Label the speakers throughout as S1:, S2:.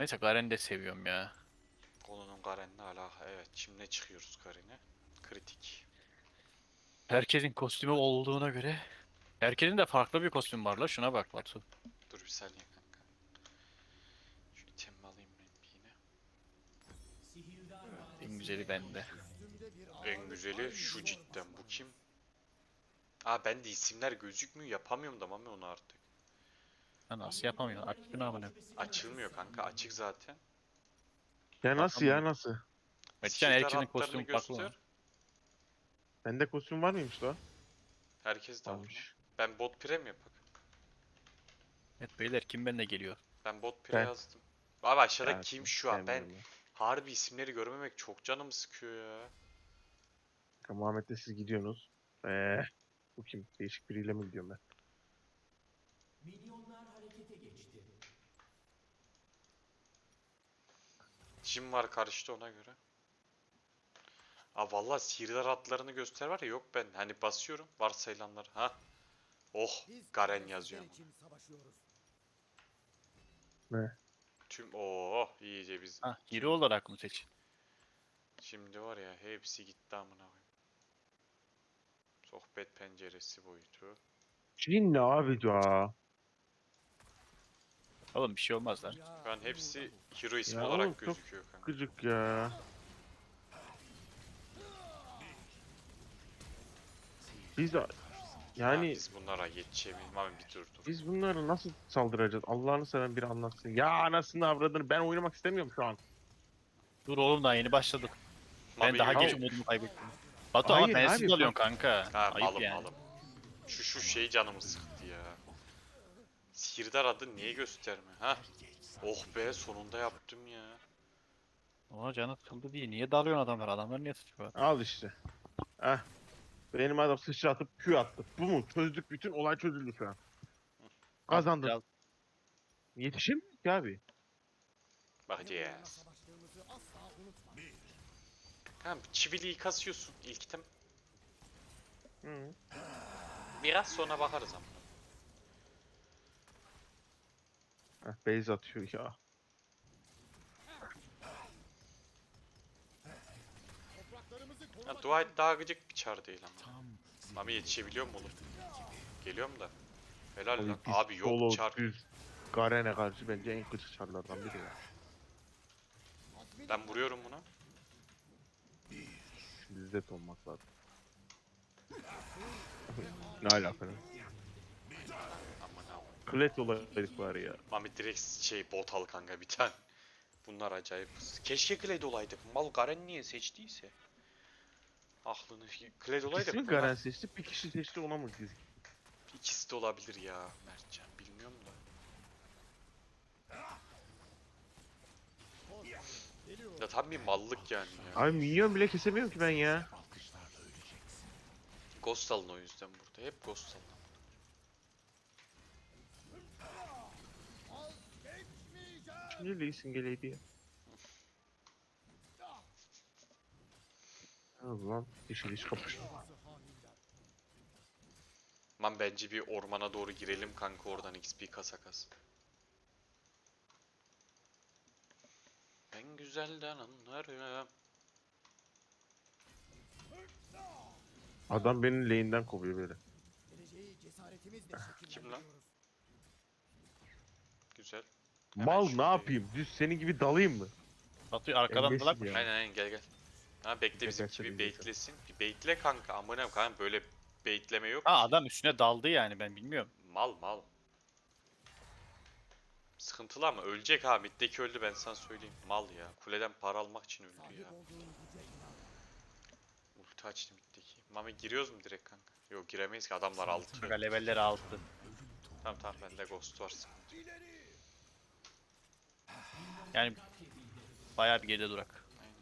S1: Neyse Garen'i de seviyorum ya.
S2: Konunun Garen'le alaka. Evet, şimdi çıkıyoruz Garen'e. Kritik.
S1: Herkesin kostümü olduğuna göre. Herkesin de farklı bir kostüm var la, şuna bak Batu.
S2: Dur bir saniye kanka. Şu itemimi alayım ben bir yine.
S1: En güzeli bende.
S2: En güzeli şu cidden. Bu kim? Aa, ben de isimler gözükmüyor. Yapamıyorum da Mami onu artık.
S1: Ha, nasıl yapamıyorsun? Aç şunu amına.
S2: Açılmıyor kanka. Açık zaten.
S3: Ya nasıl
S1: Bakalım.
S3: ya nasıl?
S1: Mertcan
S2: Sihirdar
S1: herkesin
S2: hatlarını
S1: kostümü farklı mı?
S2: göster.
S3: Bende kostüm var mıymış la?
S2: Herkes de var mı?
S3: Varmış.
S2: Ben bot pire mi yapak?
S1: Evet beyler, kim benimle geliyor?
S2: Ben bot pire
S3: Ben.
S2: yazdım. Abi aşağıda
S3: Ya
S2: kim şu an? Ben
S3: sevmiyorum ya.
S2: harbi isimleri görmemek çok canımı sıkıyor ya.
S3: Kanka Muhammed'le siz gidiyorsunuz. Bu kim? Değişik biriyle mi gidiyorum ben?
S2: Jim var karşıda ona göre. Aa valla sihirdar hatlarını göster var ya, yok ben. Hani basıyorum varsayılanlar. Ha. Oh, Garen yazıyor ama.
S3: Ne?
S2: Tüm oh iyice biz
S1: Ha, hero
S2: tüm
S1: olarak mı seç?
S2: şimdi var ya hepsi gitti amına koyayım. Sohbet penceresi boyutu.
S3: Cin ne abi ya?
S1: Oğlum bir şey olmaz lan.
S2: Şu an hepsi hero ismi
S3: Ya oğlum
S2: olarak
S3: çok
S2: gözüküyor kanka.
S3: gıcık ya. Biz de
S2: Ha,
S3: yani
S2: biz bunlara yetişemeyiz. Mami bir dur dur.
S3: biz bunları nasıl saldıracağız? Allah'ını seven biri anlatsın. Ya anasını avradını ben oynamak istemiyorum şu an.
S1: Dur oğlum, daha yeni başladık. Ben
S2: Mami
S1: daha
S2: yok.
S1: geç umudumu kaybettim. Batu ama
S3: Hayır
S1: bensiz
S3: abi
S1: alıyorsun
S3: bak.
S1: kanka.
S2: Ha,
S1: Ayıp
S2: malım
S1: yani.
S2: malım. Şu şey canımı sıktı ya. Sihirdar adı niye gösterme? Ha? Oh be, sonunda yaptım ya.
S1: Ona canı sıkıldı diye. Niye dalıyorsun adamlar? Adamlar niye sıçıyor?
S3: Al işte. Eh. Benim adam sıçratıp Q attı. Bu mu? Çözdük, bütün olay çözüldü şu an.
S1: Bak
S3: Kazandın.
S1: biraz.
S3: Yetişemiyor ki abi.
S2: Bakacağız. Tamam, çiviliği kasıyorsun ilk item.
S3: Hı.
S2: Biraz sonra bakarız ama.
S3: Base atıyor ya.
S2: Ha, dua et daha gıcık bir çar değil ama. Mami yetişebiliyor mu oğlum? Geliyorum da. Helal
S3: Abi
S2: lan.
S3: biz
S2: Abi yok
S3: solo
S2: çar.
S3: düz Garen'e karşı bence en gıcık çarlardan biri ya.
S2: Ben vuruyorum buna.
S3: Şimdi zet olmak lazım. Ne alaka ne?
S2: Aman aman.
S3: Klet olaydık var ya.
S2: Mami direkt şey bot al kanka bir tane. Bunlar acayip. Keşke Kled olaydık. Mal Garen niye seçtiyse. Aklını Kled
S3: İkisi mi
S2: olaydık bunlar.
S3: Garen seçti, bir kişi seçti ona mı dizik?
S2: İkisi de olabilir ya Mertcan. Bilmiyorum da. Ya tam bir mallık yani ya.
S3: Abi minyon bile kesemiyorum ki ben ya.
S2: Ghost alın o yüzden burada. Hep Ghost alın.
S3: Şimdi Lee Sin geleydi ya. O zaman yeşil iş kapıştı.
S2: Man bence bir ormana doğru girelim kanka, oradan XP kasa kas. Ben güzelden anlarım.
S3: Adam beni lane'den kovuyor böyle.
S2: Kim lan? Güzel. Hemen
S3: Mal ne
S2: şuradayım.
S3: yapayım? Düz senin gibi dalayım mı?
S1: Batu arkadan
S3: Engelsiz
S1: dalak mı?
S3: ya.
S2: Aynen aynen, gel gel. Ha bekle,
S3: Yeter,
S2: bizimki bir
S3: tabii, yeter.
S2: baitlesin. Bir baitle kanka. Amına kanka, böyle baitleme yok
S1: Ha,
S2: ki.
S1: adam üstüne daldı yani, ben bilmiyorum.
S2: Mal mal. Sıkıntılı ama ölecek ha. Middeki öldü, ben sana söyleyeyim. Mal ya. Kuleden para almak için öldü ya. Ulti açtı middeki. Mami giriyoruz mu direkt kanka? Yok giremeyiz ki, adamlar altı.
S1: Kanka levelleri altı.
S2: Tamam tamam, bende ghost var.
S1: Yani bayağı bir geride durak.
S2: Aynen.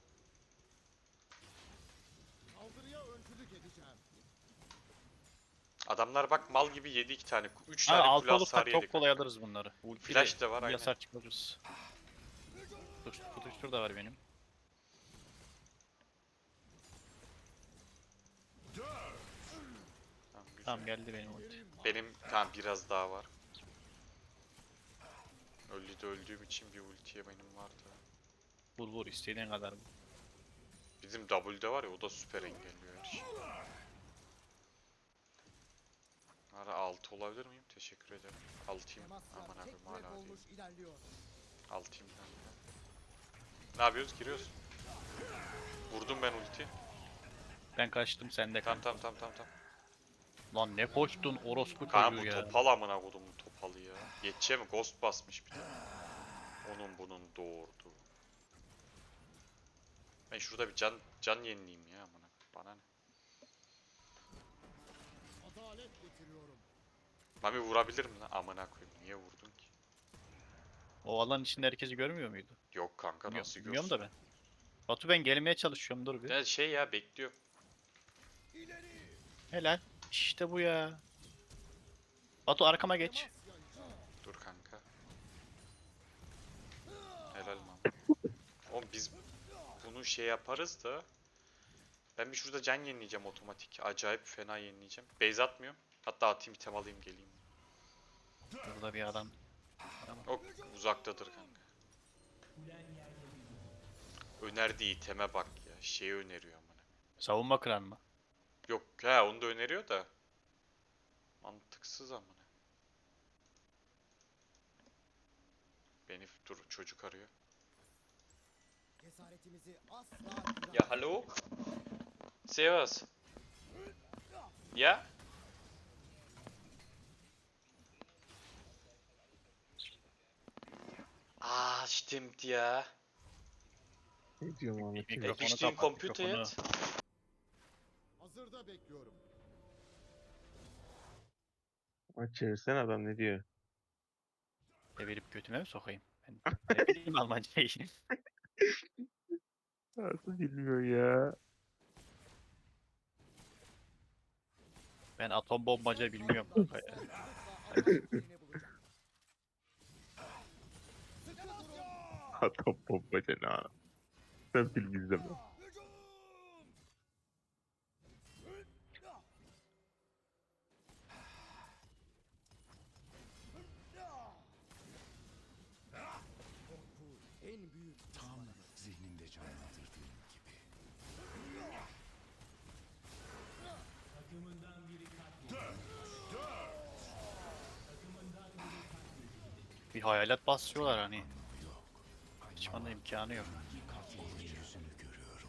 S2: Adamlar bak mal gibi yedi iki tane. Üç
S1: Abi
S2: tane kule
S1: altı
S2: hasarı
S1: olursak
S2: yedi
S1: çok kolay
S2: kanka.
S1: alırız bunları.
S2: Flash de var, aynen.
S1: Yasar çıkarırız. Tutuştur da var benim.
S2: Tamam, güzel.
S1: Tamam geldi benim ulti.
S2: Benim tamam biraz daha var. Öldü de öldüğüm için bir ultiye benim vardı.
S1: Vur vur istediğin kadar vur.
S2: Bizim W'de var ya, o da süper engelliyor her şeyi. Ara 6 olabilir miyim? Teşekkür ederim. 6'yım. Aman abim hala değil. 6'yım ben de. Ne yapıyoruz? Giriyoruz. Vurdum ben ulti.
S1: Ben kaçtım sen de
S2: Tamam
S1: kaç.
S2: tamam.
S1: Lan ne koştun orospu
S2: Kaan
S1: çocuğu
S2: bu
S1: ya.
S2: topal amına kodumun topalı ya. Yetişe mi? Ghost basmış bir de. Onun bunun doğurdu. Ben şurada bir can yenileyim ya amına. Bana ne?
S4: Adalet getiriyorum.
S2: Mami vurabilir mi lan? Amına koyayım. Niye vurdun ki?
S1: O alan içinde herkesi görmüyor muydu?
S2: Yok kanka,
S1: Bilmiyorum,
S2: nasıl
S1: bilmiyorum
S2: görsün?
S1: da ben. Batu ben gelmeye çalışıyorum dur bir.
S2: Ya şey ya, bekliyorum.
S1: Helal. İşte bu ya. Batu arkama geç.
S2: Dur kanka. Helal lan. Oğlum biz bunu şey yaparız da. Ben bir şurada can yenileyeceğim otomatik. Acayip fena yenileyeceğim. Base atmıyorum. Hatta atayım, item alayım geleyim.
S1: Burada bir adam.
S2: O uzaktadır kanka. Önerdiği iteme bak ya. Şeyi öneriyor amına.
S1: Savunma kıran mı?
S2: Yok ha, onu da öneriyor da. Mantıksız amına. Beni dur, çocuk arıyor.
S4: Cesaretimizi asla
S2: Ya hallo? Servus. Ja? Ah, stimmt ja.
S3: Ne diyorum Ahmet?
S1: Bir
S3: ya?
S1: mikrofonu
S2: Bist du im
S1: kapat,
S2: Computer
S1: mikrofonu.
S2: jetzt?
S4: hazırda bekliyorum.
S3: Aç çevirsene adam ne diyor?
S1: Devirip götüme mi sokayım? Ben ne bileyim Almancayı.
S3: Nasıl bilmiyor ya?
S1: Ben atom bombacı bilmiyorum kanka ya.
S3: Atom bombacı ne ana? Sen film izleme.
S4: Korku en büyük
S5: Tam zihninde canlandırdığım gibi.
S1: Bir hayalet basıyorlar hani. Hiç bana imkanı yok.
S5: Katilin yüzünü görüyorum.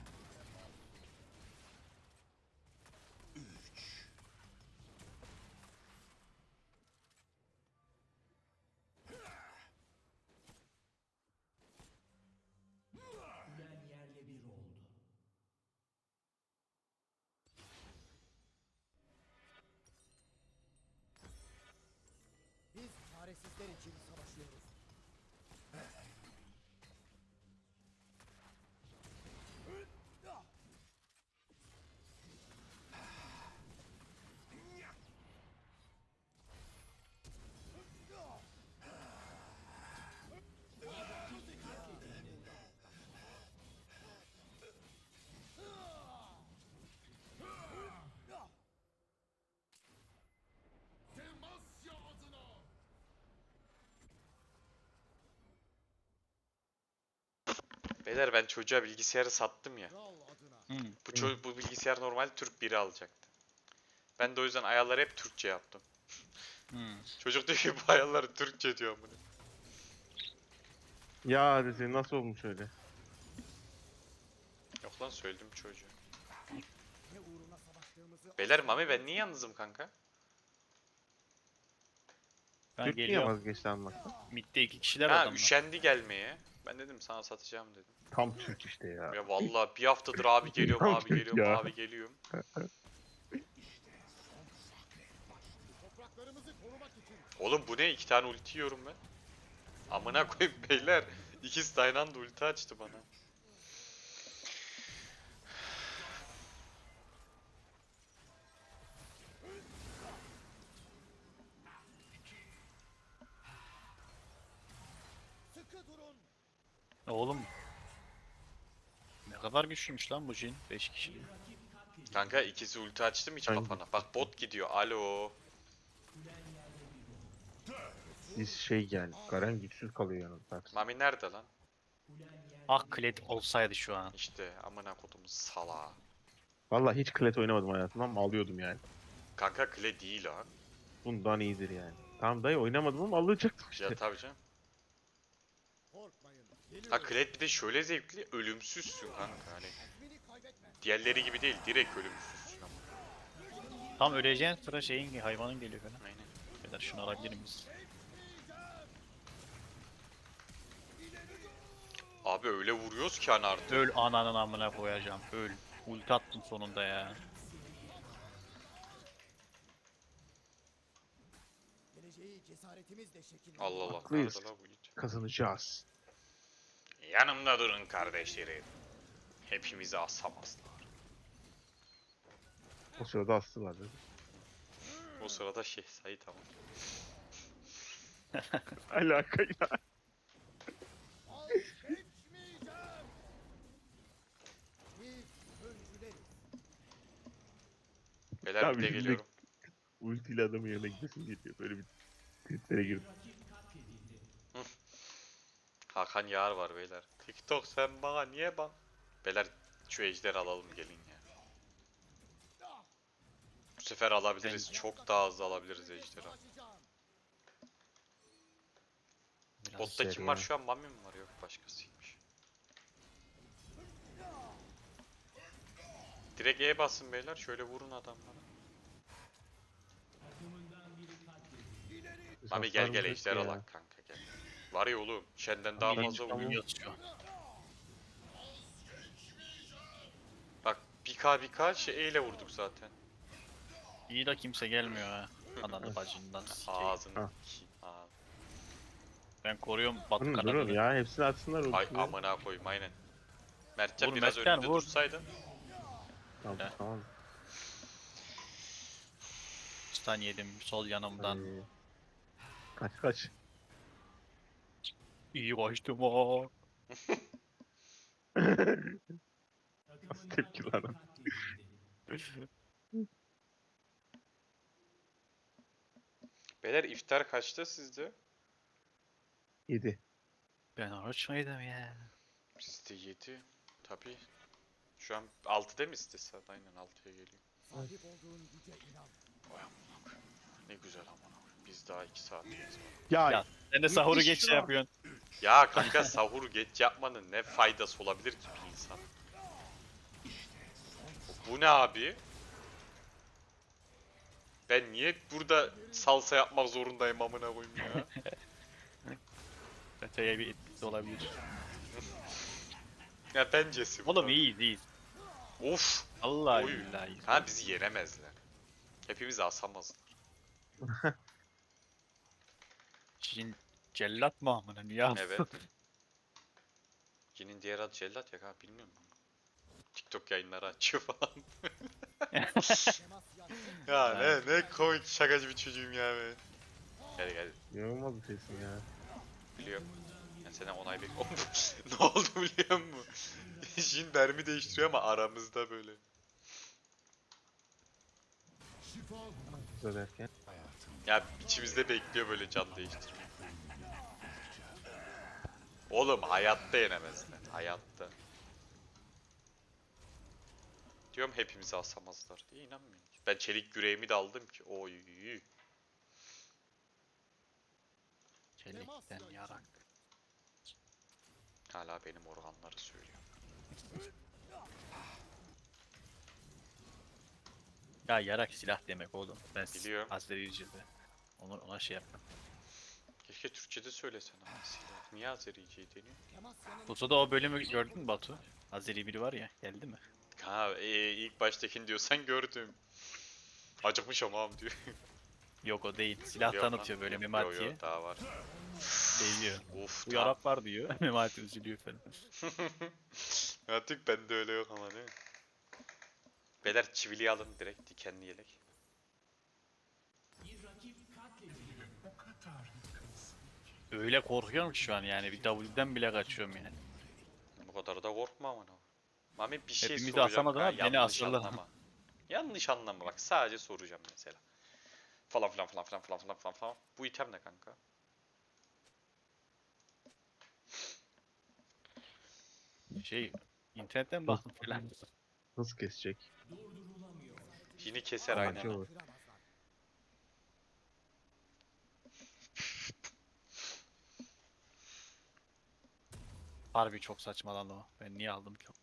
S5: Ülen yerle bir oldu.
S4: biz çaresizler için savaşıyoruz.
S2: Beyler ben çocuğa bilgisayarı sattım ya.
S4: Kral adına.
S2: Bu bilgisayar normal Türk biri alacaktı. Ben de o yüzden ayarları hep Türkçe yaptım. Çocuk diyor ki bu ayarları Türkçe diyor bunu.
S3: Ya dese nasıl olmuş öyle?
S2: Yok lan, söyledim çocuğa.
S4: Ne uğruna savaştığımızı
S2: Beyler
S4: asla
S2: Mami, ben niye yalnızım kanka?
S1: Ben
S3: Türk niye
S1: geliyorum.
S3: vazgeçti almaktan?
S1: Mid'de 2 kişiler
S2: Ha,
S1: adamlar.
S2: üşendi gelmeye. Ben dedim sana satacağım dedim.
S3: Tam Türk işte ya.
S2: Ya vallahi bir haftadır abi geliyorum,
S3: Tam
S2: abi
S3: Türk
S2: geliyorum,
S3: ya.
S2: abi geliyorum.
S4: topraklarımızı korumak için
S2: Oğlum bu ne? 2 tane ulti yiyorum ben. Amına koyayım beyler. İkisi de aynı anda ulti açtı bana.
S4: sıkı durun.
S1: Oğlum. Ne kadar güçlüymüş lan bu Jin. 5 kişi.
S2: Kanka ikisi ulti açtım hiç
S3: Hangi?
S2: kafana. Bak bot gidiyor. Alo.
S3: Biz şey yani Garen güçsüz kalıyor yanında zaten.
S2: Mami nerede lan?
S1: Ah Kled olsaydı şu an.
S2: İşte amına kodumuz sala.
S3: Vallahi hiç Kled oynamadım hayatımda ama alıyordum yani.
S2: Kanka kle değil ha.
S3: Bundan iyidir yani. Tamam dayı oynamadım ama alacaktım işte.
S2: Ya tabii canım.
S4: Korkmayın.
S2: Ha
S4: Geliyorum.
S2: Kled bir de şöyle zevkli, ölümsüzsün kanka hani.
S4: Azmini kaybetme.
S2: Diğerleri gibi değil, direkt ölümsüzsün ama.
S1: Tam öleceğin sıra şeyin hayvanın geliyor falan.
S2: Aynen.
S1: Beyler şunu alabilir miyiz?
S2: Abi öyle vuruyoruz ki hani artık.
S1: Öl ananın amına koyacağım. Öl. Ulti attım sonunda ya.
S4: Geleceği cesaretimizle şekillendiriyor.
S2: Allah Allah.
S3: Haklıyız.
S2: Nerede la bu it?
S3: Kazanacağız.
S2: Yanımda durun kardeşlerim. Hepimizi asamazlar.
S3: O sırada astılar dedi.
S2: O sırada şey Sait ama.
S3: Alakayla.
S4: Vazgeçmeyeceğim. Biz öncüleriz.
S2: Beyler
S3: Abi
S2: bir de
S3: şimdi-
S2: geliyorum.
S3: Ultiyle adamın yanına gidesin geliyor. Böyle bir triplere girdim.
S2: Hakan Yağar var beyler. TikTok sen bana niye bak? Beyler şu ejderi alalım gelin ya. Bu sefer alabiliriz. Çok daha hızlı alabiliriz ejderi.
S4: Savaşacağım.
S1: Biraz
S2: Botta kim
S3: seri
S2: var
S3: ya.
S2: şu an? Mami mi var? Yok başkasıymış. Direkt E basın beyler. Şöyle vurun adamlara.
S3: Biz
S2: Mami gel gel
S3: hasarımız
S2: ejder
S3: yok ya.
S2: alak kanka gel. Var ya oğlum. Şenden daha
S1: İyi,
S2: fazla
S1: tamam.
S2: vuruyor.
S1: Yiyoruz şu an.
S2: Bak 1k şey E ile vurduk zaten.
S1: İyi de kimse gelmiyor ha. Ananı bacından sikeyim.
S2: Ağzını.
S3: Ha.
S2: Ağzını.
S1: Ben koruyorum Batu
S3: Durun durun
S1: kanadını.
S3: ya hepsini atsınlar
S2: Ay
S3: ultiyle.
S2: amına koyayım aynen. Mertcan
S1: Vur
S2: biraz
S1: Mertcan,
S2: önünde
S1: vur.
S2: dursaydın.
S3: Tamam
S1: He.
S3: tamam.
S1: Stun yedim sol yanımdan.
S3: Ay. Kaç kaç.
S1: İyi kaçtım o.
S3: Nasıl tepki lan?
S2: Beyler iftar kaçta sizde?
S3: 7.
S1: Ben oruç muydum ya?
S2: Bizde 7. Tabii. Şu an 6'da mı istese? Aynen 6'ya geliyor.
S4: Sahip olduğun güce inan.
S2: Vay amına koyayım. Ne güzel amına koyayım. Biz daha 2 saatimiz var.
S3: Ya,
S1: Ya, Sen de sahuru
S3: Müthiş
S1: geç şey
S3: ya.
S1: yapıyorsun.
S2: Ya kanka sahur geç yapmanın ne faydası olabilir ki bir insan? Bu ne abi? Ben niye burada salsa yapmak zorundayım amına koyayım ya?
S1: Öteye bir etkisi olabilir.
S2: Ya bencesi bu.
S1: Oğlum
S2: da.
S1: iyiyiz iyiyiz.
S2: Of.
S1: Allah
S2: Oy.
S1: billahi iyiyiz.
S2: Ha bizi yenemezler. Hepimizi asamazlar.
S1: Çin cellat mı amına niye alsın?
S2: Evet. Cin'in diğer adı Cellat ya kanka bilmiyorum ben. TikTok yayınları açıyor falan.
S4: Temas yaptın.
S2: Ya ne komik şakacı bir çocuğum ya ben. Gel gel
S3: inanılmaz bir şeysin ya.
S2: biliyorum. Ben senden onay bekliyorum. Ne oldu biliyor musun? Jin mermi değiştiriyor ama aramızda böyle.
S3: Güzel derken.
S2: Ya içimizde bekliyor böyle can değiştirmeyi. Oğlum hayatta yenemezler. Hayatta. Diyorum hepimizi asamazlar diye inanmıyorum. Ben çelik yüreğimi de aldım ki. Oy.
S1: Çelikten yarak.
S2: Hala benim organları söylüyor.
S1: Ya yarak silah demek oğlum. Ben
S2: Biliyorum.
S1: Azericil'de. Ona şey yaptım.
S2: Keşke Türkçe'de söylesen ama silah. Niye Azerice'yi deniyor?
S4: Temas yanında.
S1: Buso'da o bölümü gördün mü Batu? Azeri biri var ya geldi mi?
S2: Ha ilk baştakini diyorsan gördüm. Acıkmış ama diyor.
S1: Yok o değil. Silah
S2: Yok
S1: tanıtıyor
S2: lan.
S1: böyle
S2: Yok,
S1: Memati'ye.
S2: yok, daha var.
S1: Değiyor.
S2: Of
S1: Bu
S2: tamam.
S1: yarap var diyor. Memati üzülüyor falan.
S2: Artık bende öyle yok ama değil mi? Beyler çiviliği alın direkt dikenli yelek.
S1: Öyle korkuyorum ki şu an yani. Bir W'den bile kaçıyorum yani.
S2: Bu kadar da korkma ama. Mami bir şey
S1: Hepimizi
S2: soracağım.
S1: asamadı ama
S2: kanka,
S1: beni
S2: yanlış
S1: asırlar.
S2: anlama. Yanlış anlama bak sadece soracağım mesela. Falan filan falan filan falan filan falan falan. Bu item ne kanka?
S1: Şey, internetten baktım falan.
S3: Nasıl kesecek?
S2: Yine keser
S3: Aa,
S2: aynen.
S3: şey olur.
S4: Kıramazlar.
S1: Harbi çok saçmalandı o. Ben niye aldım ki?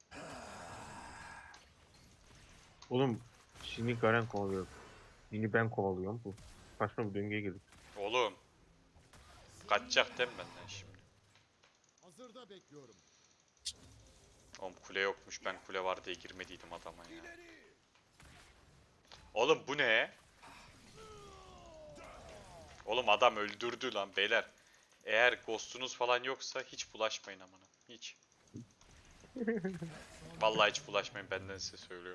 S3: Oğlum şimdi Garen kovalıyor. Yine ben kovalıyorum. Bu saçma bir döngüye girdik.
S2: Oğlum. Kaçacak değil mi benden şimdi?
S4: Hazırda bekliyorum.
S2: Oğlum kule yokmuş. Ben kule var diye girmediydim adama ya. Oğlum bu ne? Oğlum adam öldürdü lan beyler. Eğer ghostunuz falan yoksa hiç bulaşmayın amına. Hiç. Vallahi hiç bulaşmayın, benden size söylüyorum.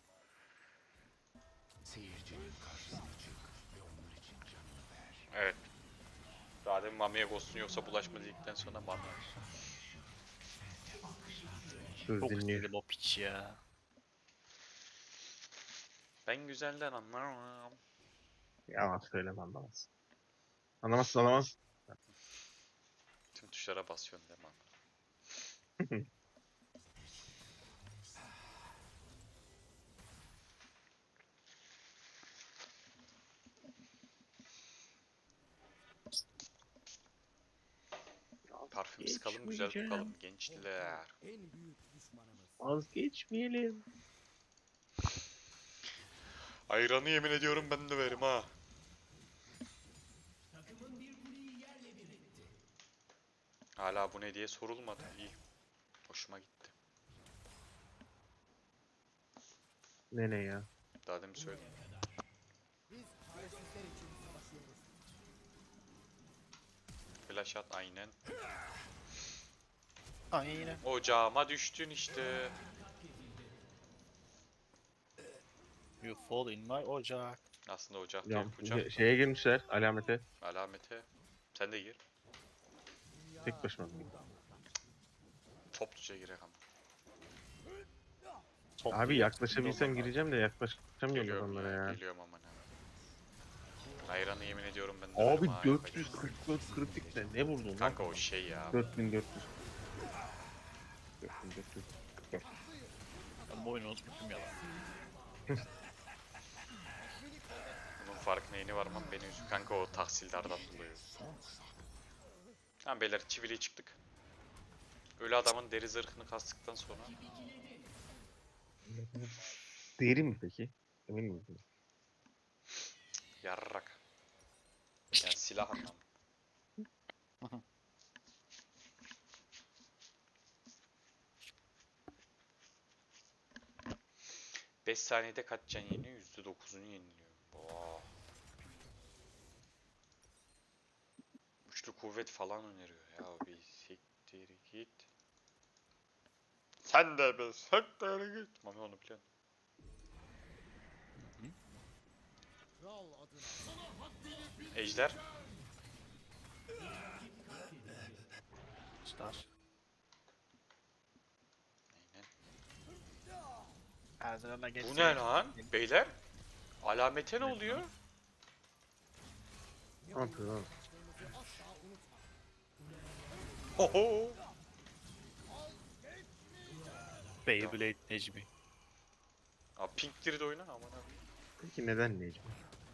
S5: Seyircinin karşısına çık ve onlar için canını ver.
S2: Evet. Daha demin Mami'ye ghostun yoksa bulaşma dedikten sonra Mami.
S3: Söz
S1: Çok
S3: dinliyor.
S1: istedim o piç ya.
S2: Ben güzelden anlarım.
S3: Yalan söyleme anlamaz. Anlamazsın anlamaz.
S2: Tüm tuşlara basıyorsun değil mi? Parfüm sıkalım, güzel kokalım gençler.
S4: En büyük düşmanımız.
S3: Vazgeçmeyelim.
S2: Ayranı yemin ediyorum ben de verim ha. Hala bu ne diye sorulmadı. İyi. Hoşuma gitti.
S3: Ne ya?
S2: Daha demin söyledim.
S4: Biz çaresizler için savaşıyoruz.
S2: Flash at aynen.
S1: Aynen.
S2: Ocağıma düştün işte.
S1: You fall in my ocak.
S2: Aslında ocak
S3: Ya,
S2: değil kucak.
S3: şeye girmişler alamete.
S2: Alamete. Sen de gir.
S4: Dünya
S3: Tek başıma.
S2: Topluca girek ama.
S1: Top
S3: Abi
S1: diye
S3: yaklaşabilsem
S1: çıktı
S3: gireceğim de yaklaşamıyorum
S2: Geliyorum
S3: adamlara
S2: ya,
S3: ya.
S2: geliyorum aman ha. Ayranı yemin ediyorum ben de
S3: Abi
S2: verim ha,
S3: 444 kritikle ne vurdun lan?
S2: kanka o şey ya.
S3: 4400. 4400.
S1: Ben bu oyunu unutmuşum ya lan.
S2: Bunun farkına yeni varmam beni üzüyor. Kanka o tahsildardan dolayı. Tamam beyler çiviliğe çıktık. Ölü adamın deri zırhını kastıktan sonra.
S3: Deri mi peki? Emin misin?
S2: Yarrak. Yani silah anlamı. 5 saniyede kaç can yeniyor? %9'unu yeniliyor. Oo. Üçlü kuvvet falan öneriyor ya, bir siktir git. Sen de bir siktir git. Mami onu biliyorsun.
S4: kral adına.
S2: Ejder.
S1: Star.
S2: Aynen.
S1: Erzurum'a
S2: Bu
S1: geçsin.
S2: ne lan? Beyler? Alamete ne oluyor?
S3: Ne yapıyor lan?
S4: Asla unutma.
S2: Hoho.
S1: Beyblade Necmi.
S2: Aa, Pink'tir de oyna aman abi.
S3: Peki neden Necmi?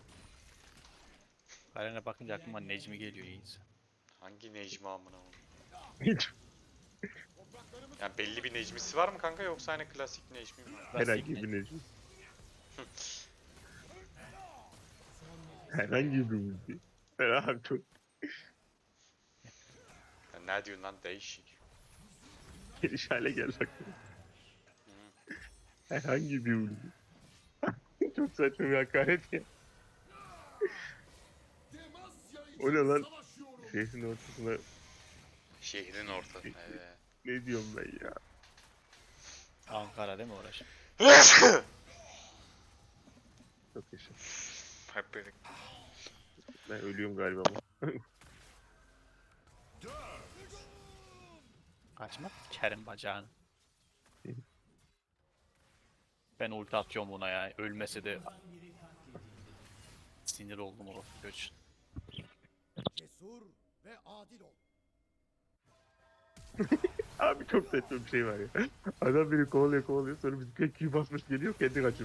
S1: Garen'e bakınca aklıma Necmi geliyor iyiyiz.
S2: Hangi Necmi amına oğlum?
S3: Hiç.
S2: Yani belli bir Necmisi var mı kanka, yoksa hani klasik Necmi mi?
S3: Herhangi bir Necmi. Herhangi bir müziği. Ferah çok
S2: Ya ne diyorsun lan, değişik.
S3: geliş hale geldi aklıma. Herhangi bir müziği. Çok saçma bir hakaret ya. O ne lan? Şehrin ortasına
S2: Şehrin ortası. Evet.
S3: ne diyorum ben ya?
S1: Ankara değil mi uğraş?
S3: Çok yaşa.
S2: Hep böyle.
S3: Ben ölüyorum galiba ama.
S1: Kaçma. Kerim bacağını. Ben ulti atıyorum buna ya. Ölmese de sinir oldum o göç.
S4: Cesur ve adil ol.
S3: Abi çok saçma bir şey var ya. Adam beni kovalıyor kovalıyor sonra bizimki Q basmış geliyor kendi kaçıyor.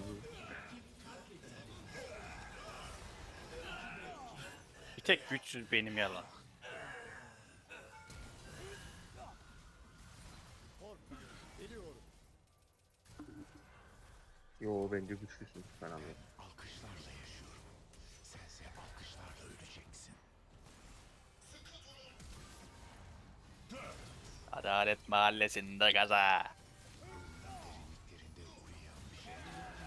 S1: Bir tek güçsüz benim yalan.
S4: Korkmayın. Geliyorum.
S3: Yo bence güçlüsün ben anladım.
S5: Alkışlarla yaşıyorum. Sense alkışlarla öleceksin.
S1: Adalet Mahallesi'nde gaza.
S5: Derinliklerinde uyuyan bir şey.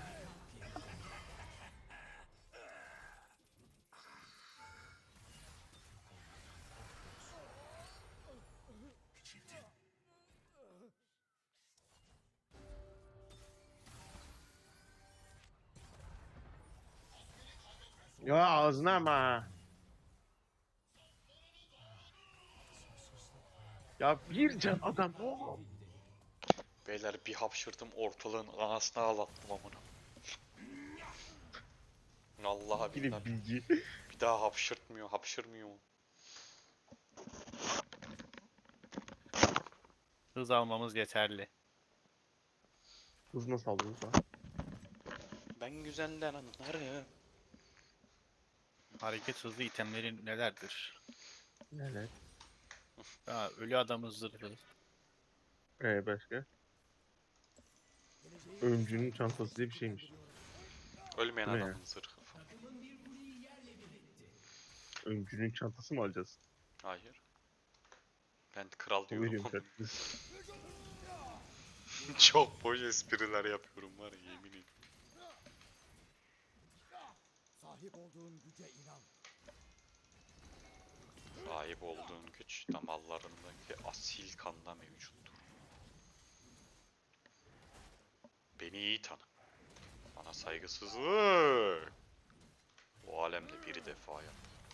S5: Küçüldün.
S3: Ya ağzına ama. Ya bir can adam oğlum.
S2: Beyler bir hapşırdım ortalığın anasını ağlattım amına. Vallahi
S3: Yine
S2: billahi
S3: bilgi.
S2: bir daha hapşırmıyor.
S1: Hız almamız yeterli.
S3: Hız nasıl aldınız lan?
S2: Ben güzelden anlarım.
S1: Hareket hızlı itemlerin nelerdir?
S3: Evet.
S1: Ha, ölü adamı zırhı.
S3: Başka?
S4: Geleceği
S3: Öncünün çantası diye bir şeymiş.
S2: Ölmeyen
S3: Bu ne ya?
S2: adamın zırhı falan.
S3: Öncünün çantası mı alacağız?
S2: Hayır. Ben kral
S3: O
S2: diyorum
S3: veriyorum
S2: ama
S3: çantası.
S2: çok boş espriler yapıyorum var ya yemin ederim.
S4: sahip olduğun güce inan.
S2: Sahip olduğun güç damarlarındaki asil kanda mevcuttur. Beni iyi tanı. Bana saygısızlık. Bu alemde bir defa yap.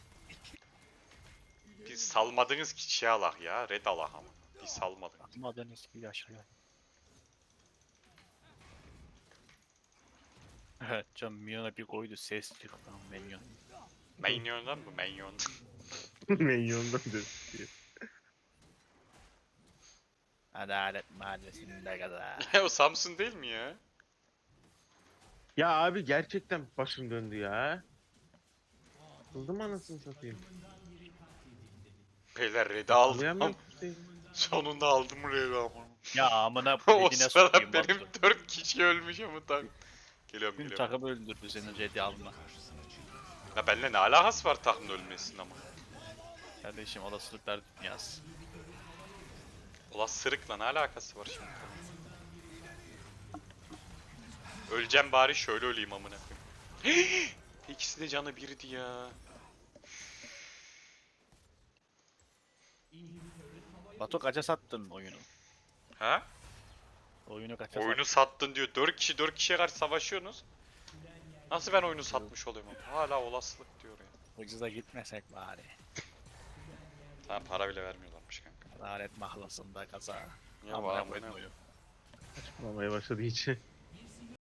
S2: Biz salmadınız ki şey Allah ya. Red Allah ama. Biz salmadınız.
S1: Atmadın eski yaşaya. Evet can Minyon'a bir koydu ses çıktı lan Minyon.
S2: Minyon'dan mı? Minyon.
S3: Minyondan da.
S1: Adalet Mahallesi'nde gaza.
S2: O Samsun değil mi ya?
S3: Ya abi gerçekten başım döndü ya. Kıldım anasını satayım.
S2: Beyler Red'i aldım.
S3: Anlayamıyorum işte.
S2: Sonunda aldım Red'i ama.
S1: Ya amına
S2: O
S1: dediğine
S2: sırada
S1: sokayım
S2: benim
S1: Batu.
S2: 4 kişi ölmüş ama tak. Geliyorum
S1: Tüm
S2: geliyorum.
S1: takım öldürdü seni Red'i alma.
S2: Ya benimle ne alakası var takımın ölmesinin ama.
S1: Kardeşim olasılıklar dünyası.
S2: Ulan sırıkla ne alakası var şimdi? Öleceğim bari şöyle öleyim amına koyayım. İkisi de canı birdi ya.
S1: Batu kaça sattın oyunu?
S2: Ha?
S1: Oyunu kaça
S2: Oyunu sattın diyor. 4 kişiye karşı savaşıyorsunuz. Nasıl ben oyunu satmış oluyorum ama? Hala olasılık diyor ya.
S1: sattın? Ucuza gitmesek bari.
S2: Tamam para bile vermiyorlarmış kanka.
S1: Adalet Mahallesi'nde gaza.
S2: Ya
S1: Amına
S2: bana bu
S1: koydum
S2: ne?
S1: oyunu.
S3: Olmaya başladı hiç.